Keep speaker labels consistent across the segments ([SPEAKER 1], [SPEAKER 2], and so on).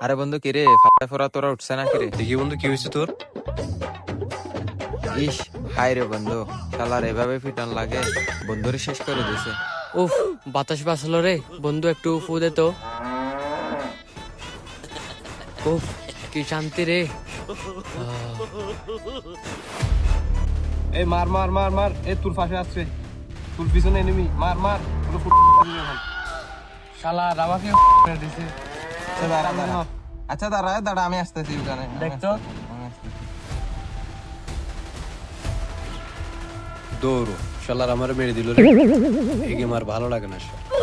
[SPEAKER 1] আরে বন্ধু কিরে ফাটা ফোরা তোরা উঠছে না কিরে?
[SPEAKER 2] দেখি বন্ধু কি হয়েছে তোর?
[SPEAKER 1] ইস হাই রে বন্ধু, শালার এভাবে ফিটন লাগে, বন্ধুরে শেষ করে দিছে।
[SPEAKER 3] উফ, বাতাস বাসলো রে বন্ধু, একটু ফু দে তো। উফ, কি শান্তি রে।
[SPEAKER 2] এই মার মার মার মার, এই তোর পাশে আসছে, তোর পিছনে এনিমি, মার মার পুরো
[SPEAKER 3] শালা আমাকে দিছে।
[SPEAKER 1] আচ্ছা দাঁড়া দাঁড়া, আমি আসতেছি ওখানে।
[SPEAKER 3] দেখতো
[SPEAKER 2] দৌড়ো, শালার আমার মেরে দিল রে। এই গেম আর ভালো লাগে না।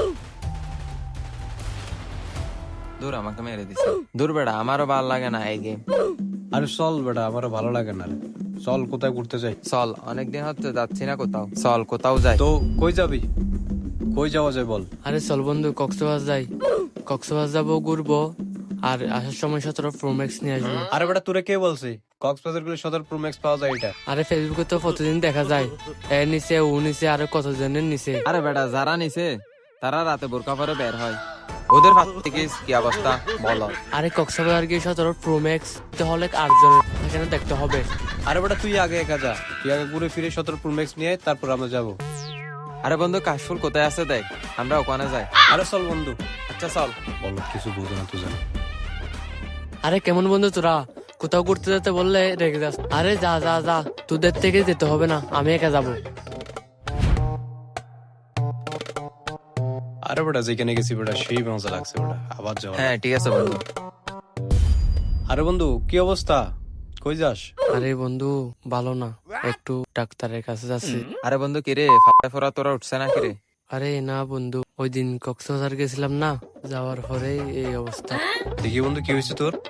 [SPEAKER 1] দূর আমাকে মেরে দিছে। দূর বেড়া, আমারও ভালো লাগে না এই গেম।
[SPEAKER 2] আরে চল বেটা, আমারও ভালো লাগে না রে। চল কোথায় ঘুরতে যাই?
[SPEAKER 1] চল, অনেকদিন হচ্ছে যাচ্ছি না কোথাও, চল কোথাও যাই।
[SPEAKER 2] তো কই যাবি? কই যাওয়া যায় বল?
[SPEAKER 3] আরে চল বন্ধু, কক্সবাজার যাই। কক্সবাজার যাবো, ঘুরবো, আর আসার সময় 17 প্রো ম্যাক্স নিয়ে আসবো।
[SPEAKER 2] আরে বেটা তোরে কে বলছে কক্সবাজার গুলো 17 প্রো ম্যাক্স পাওয়া যায়? এটা
[SPEAKER 3] আরে ফেসবুকে তো প্রতিদিন দেখা যায়, এর নিচে ও নিচে আরো কতজনের নিচে।
[SPEAKER 1] আরে বেটা, যারা নিছে তারা রাতে বোরকা পরে বের হয়, ওদের হাত থেকে কি অবস্থা বলো?
[SPEAKER 3] আরে কক্সবাজার গিয়ে 17 প্রো ম্যাক্স হলে 8 জনের সেখানে দেখতে হবে।
[SPEAKER 2] আরে বেটা তুই আগে একা যা, তুই আগে ঘুরে ফিরে 17 প্রো ম্যাক্স নিয়ে আয়, তারপর আমরা যাবো।
[SPEAKER 1] আরে বন্ধু, কাশফুল কোথায় আছে দেখ, আমরা ওখানে যাই।
[SPEAKER 2] আরে চল বন্ধু।
[SPEAKER 1] আচ্ছা চল।
[SPEAKER 2] বল, কিছু বুঝো না তুই জানি।
[SPEAKER 3] আরে কেমন বন্ধু তোরা, কোথাও ঘুরতে যেতে বললে রেগে যাস। আরে যা যা যা, তোদের থেকে যেতে হবে না, আমি একা যাবো।
[SPEAKER 2] আরে বেটা যেখানে গেছি বেটা সেই মজা লাগছে বেটা, আবার যাওয়া।
[SPEAKER 1] হ্যাঁ ঠিক আছে বন্ধু।
[SPEAKER 2] আরে বন্ধু কি অবস্থা, কই যাস?
[SPEAKER 3] আরে বন্ধু ভালো না, একটু ডাক্তারের কাছে যাচ্ছি।
[SPEAKER 1] আরে বন্ধু কিরে ফাটা ফোরা তোরা উঠছে না কিরে?
[SPEAKER 3] আরে না বন্ধু, ওই দিন কক্সবাজার গেছিলাম না, যাওয়ার পরে এই অবস্থা।
[SPEAKER 2] দেখি বন্ধু কি হয়েছে তোর?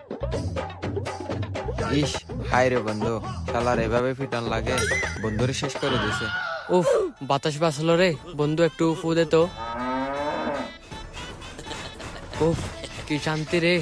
[SPEAKER 1] ইস হাই রে বন্ধু, শালার এভাবে ফিটন লাগে, বন্ধুরে শেষ করে দিছে।
[SPEAKER 3] উফ, বাতাস বাসলো রে বন্ধু, একটু ফু দে তো। উফ, কি শান্তি রে।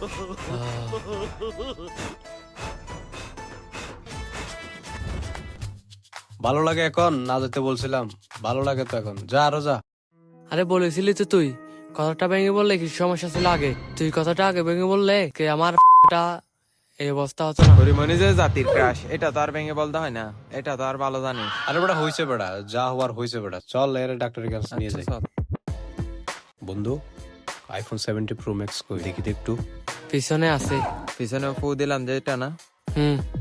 [SPEAKER 2] ভালো লাগে এখন? না যেতে বলছিলাম, ভালো লাগে তো এখন, যা আরো যা।
[SPEAKER 3] আরে বলেছিলি তো তুই, কথাটা ভেঙে বললে কি সমস্যা ছিল আগে? তুই কথাটা আগে ভেঙে বললে কি আমার টা এই অবস্থা হতো না।
[SPEAKER 1] হরিমনি যে জাতির ক্রাশ, এটা তো আর ভেঙে বলতে হয় না, এটা তো আর ভালো জানিস।
[SPEAKER 2] আরে বেটা হয়েছে বেটা, যা হওয়ার হয়েছে বেটা, চল এর ডাক্তারের কাছে নিয়ে
[SPEAKER 1] আচ্ছা,
[SPEAKER 2] যাই।
[SPEAKER 1] চল।
[SPEAKER 2] বন্ধু আইফোন 70 প্রো ম্যাক্স কই দেখি তো একটু।
[SPEAKER 3] পিছনে আছে।
[SPEAKER 1] পিছনে ফু দিলাম যে, এটা না?